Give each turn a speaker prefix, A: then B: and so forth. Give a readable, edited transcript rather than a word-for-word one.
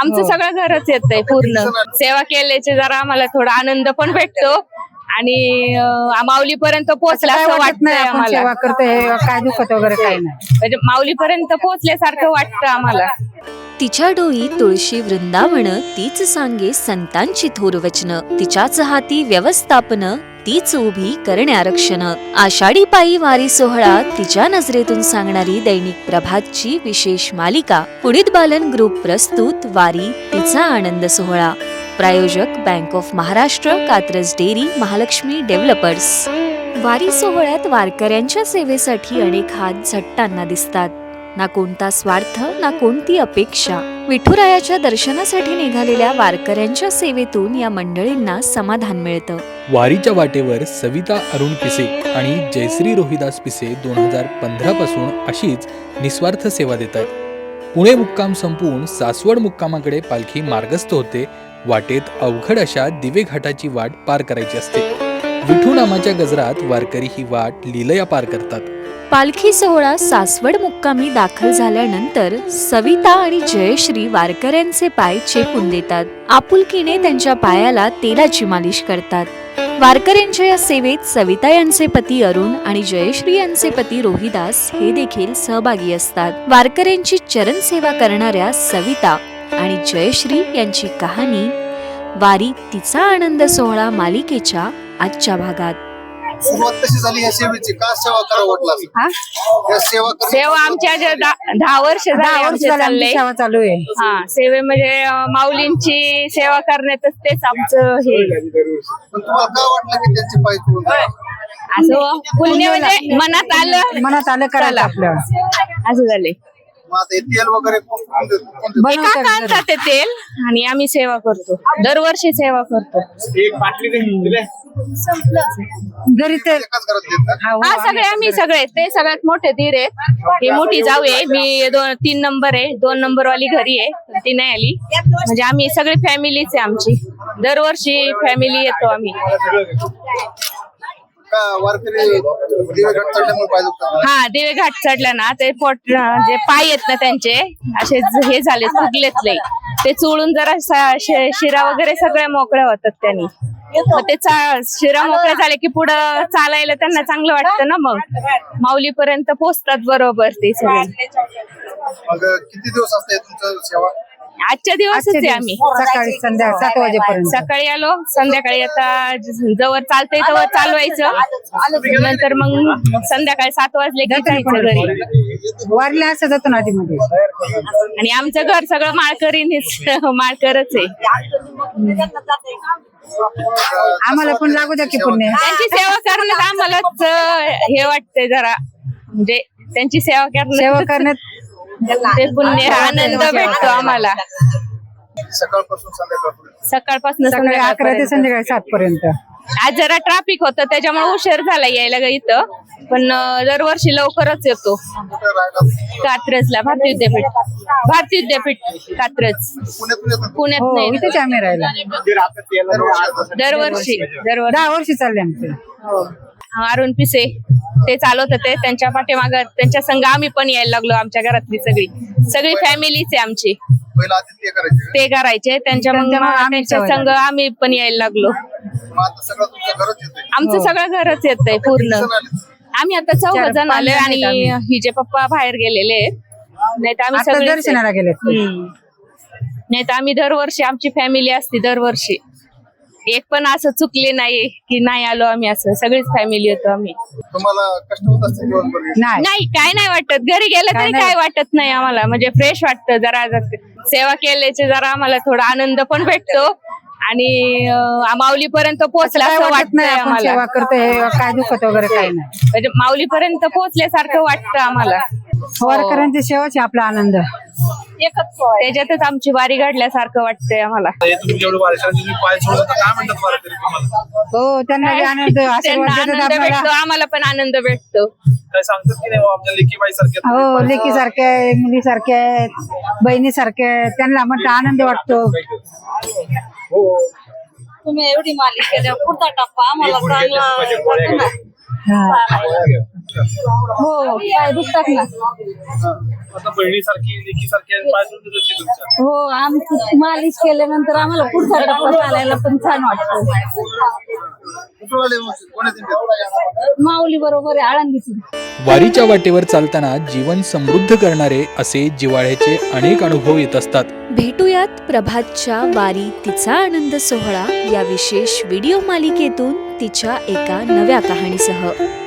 A: आमचं सगळं घरच येतंय पूर्ण. सेवा केल्याचे जरा आम्हाला थोडा आनंद पण भेटतो आणि माऊलीपर्यंत पोहोचला असं वाटतंय आम्हाला.
B: सेवा करतो हे काय दुखत वगैरे काही नाही,
A: म्हणजे माऊलीपर्यंत पोहोचल्यासारखं वाटतं आम्हाला.
C: तिच्या डोई तुळशी वृंदावन, तीच सांगे संतांची थोर वचन. तिच्याच हाती व्यवस्थापन, तीच उभी करणे आरक्षण. आषाढी पायी वारी सोहळा, तिच्या नजरेतून सांगणारी दैनिक प्रभातची विशेष मालिका. उडीद बालन ग्रुप प्रस्तुत वारी तिचा आनंद सोहळा. प्रायोजक bank of Maharashtra, Katraj dairy, Mahalakshmi developers. वारी सोहळ्यात वारकऱ्यांच्या सेवेसाठी अनेक हात झटताना दिसतात. ना कोणता स्वार्थ, ना कोणती अपेक्षा. विठुरायाच्या दर्शनासाठी निघालेल्या वारकऱ्यांच्या सेवेतून या मंडळींना समाधान मिळतं.
D: वारीच्या वाटेवर सविता अरुण पिसे आणि जयश्री रोहिदास पिसे 2015 पासून अशीच निस्वार्थ सेवा देतात. पुणे मुक्काम संपवून सासवड मुक्कामाकडे पालखी मार्गस्थ होते. वाटेत अवघड अशा दिवे घाटाची वाट पार करायची असते. विठू नामाच्या गजरात वारकरी ही वाट लीलया पार करतात.
C: पालखी सोहळा सासवड मुक्कामी दाखल झाल्यानंतर सविता आणि जयश्री वारकऱ्यांचे पाय चेपून देतात. आपुलकीने त्यांच्या पायाला तेलाची मालिश करतात. वारकऱ्यांच्या या सेवेत सविता यांचे पती अरुण आणि जयश्री यांचे पती रोहिदास हे देखील सहभागी असतात. वारकऱ्यांची चरण सेवा करणाऱ्या सविता आणि जयश्री यांची कहाणी वारी तिचा आनंद सोहळा मालिकेच्या आजच्या भागात.
E: सुरुवात कशी झाली या सेवेची? का सेवा करावं वाटलं?
A: सेवा आमच्या 10 वर्ष चालले.
B: सेवा चालू आहे.
A: हा, सेवे म्हणजे माऊलींची सेवा करण्यातच तेच आमचं हे.
E: पण तुम्हाला काय वाटलं की त्यांची पाय चोळून?
A: असं पुण्य म्हणजे मनात आलं
B: करायला आपलं.
A: असं झाले.
E: मग आता हे तेल वगैरे कोण देतं?
A: एका आणतात ते तेल आणि आम्ही सेवा करतो. दरवर्षी सेवा करतो.
B: घरी तर
E: एकाच घरात देतात?
A: हा, सगळे आम्ही सगळे. ते सगळ्यात मोठे धीर आहेत. ही मोठी जाऊ आहे. मी 3 नंबर आहे. 2 नंबर वाली घरी आहे, ती नाही आली. म्हणजे आम्ही सगळी फॅमिलीच आहे आमची. दरवर्षी फॅमिली येतो आम्ही.
E: का वारकरी दिवे घाट चढल्यामुळे पाय दुखतात?
A: हा, दिवे घाट चढला ना ते जे पाय आहेत ना त्यांचे असे हे झाले, फुगलेत लय. ते चोळून जरा शिरा वगैरे सगळ्या मोकळ्या होतात त्यांनी. मग ते शिरा मोकळ्या झाले की पुढं चालायला त्यांना चांगलं वाटतं ना. मग माऊलीपर्यंत पोहोचतात बरोबर ते सगळे.
E: मग किती दिवस असते तुमचं सेवा?
A: आजच्या दिवसच आहे आम्ही.
B: सकाळी संध्याकाळी 7 वाजेपर्यंत.
A: सकाळी आलो, संध्याकाळी आता जवळ चालतंय तवर चालवायचं. नंतर मग संध्याकाळी 7 वाजले की जायचं घरी.
B: वारीला असं जातो ना आधीमध्ये.
A: आणि आमचं घर सगळं माळकरच आहे.
B: आम्हाला पण लागू द्या की पुण्य.
A: त्यांची सेवा करण्यात आम्हालाच हे वाटतंय जरा, म्हणजे त्यांची सेवा
B: करण्यात
A: ते पुण्य आनंद भेटतो आम्हाला. सकाळपासून
B: सकाळी 11 ते संध्याकाळी 7 पर्यंत.
A: आज जरा ट्रॅफिक होतं त्याच्यामुळे उशीर झाला यायला इथं. पण दरवर्षी लवकरच येतो. कात्रजला भारतीय विद्यापीठ कात्रज. पुण्यात
B: हो,
A: नाही.
B: इथेच आम्ही राहिला.
A: दरवर्षी
B: 10 वर्ष चालले आमचे.
A: अरुण पिसे ते चालवत होते. त्यांच्या पाठीमाग त्यांच्या संघ आम्ही पण यायला लागलो. आमच्या घरातली सगळी फॅमिलीच आहे आमची. ते करायचे त्यांच्या संघ आम्ही पण यायला लागलो. आमचं सगळं घरच येतंय पूर्ण. आम्ही आता 4 जण आलोय आणि हिचे पप्पा बाहेर गेलेले आहेत. नाही तर आम्ही सगळे
B: दर्शनाला गेले.
A: नाही तर आम्ही दरवर्षी आमची फॅमिली असते. दरवर्षी एक पण असं चुकले नाही की नाही आलो आम्ही. असं सगळीच फॅमिली येतो आम्ही.
E: तुम्हाला कष्ट होत असते दिवसभर?
A: नाही, काय नाही वाटत. घरी गेलं तरी काय वाटत नाही आम्हाला. म्हणजे फ्रेश वाटतं. जरा सेवा केल्याचे जरा आम्हाला थोडा आनंद पण भेटतो आणि माऊलीपर्यंत पोहोचला असं वाटतंय आम्हाला.
B: सेवा करतो हे काय दुखत वगैरे काही नाही,
A: म्हणजे माऊलीपर्यंत पोहोचल्यासारखं वाटतं आम्हाला.
B: वारकऱ्यांची सेवाच आहे आपला आनंद.
A: त्याच्यातच आमची वारी घडल्यासारखं वाटतंय आम्हाला.
B: हो, त्यांना बी आनंद
A: आनंद भेटतो. आम्हाला पण आनंद भेटतो.
B: हो, लेकी सारखे मुली सारखे बहिणी सारखे त्यांना म्हणतो आनंद वाटतो.
F: तुम्ही एवढी मालिका पुढचा टप्पा आम्हाला चांगला
B: हो पाय दुखतात ना.
F: आता बहिणीसारखी लेकीसारखी आणि पाय दुखत होते तुमच्या.
B: हो आमची मालिश केल्यानंतर आम्हाला पुढचा टप्पा चालायला पण छान वाटतं.
E: कुठून आले मग? कोणाचे?
B: माऊली बरोबर आहे आळंदीतून.
D: वारीच्या वाटेवर चालताना जीवन समृद्ध करणारे असे जिव्हाळ्याचे अनेक अनुभव येत असतात.
C: भेटूयात प्रभातच्या वारी तिचा आनंद सोहळा या विशेष व्हिडिओ मालिकेतून तिच्या एका नव्या कहाणीसह.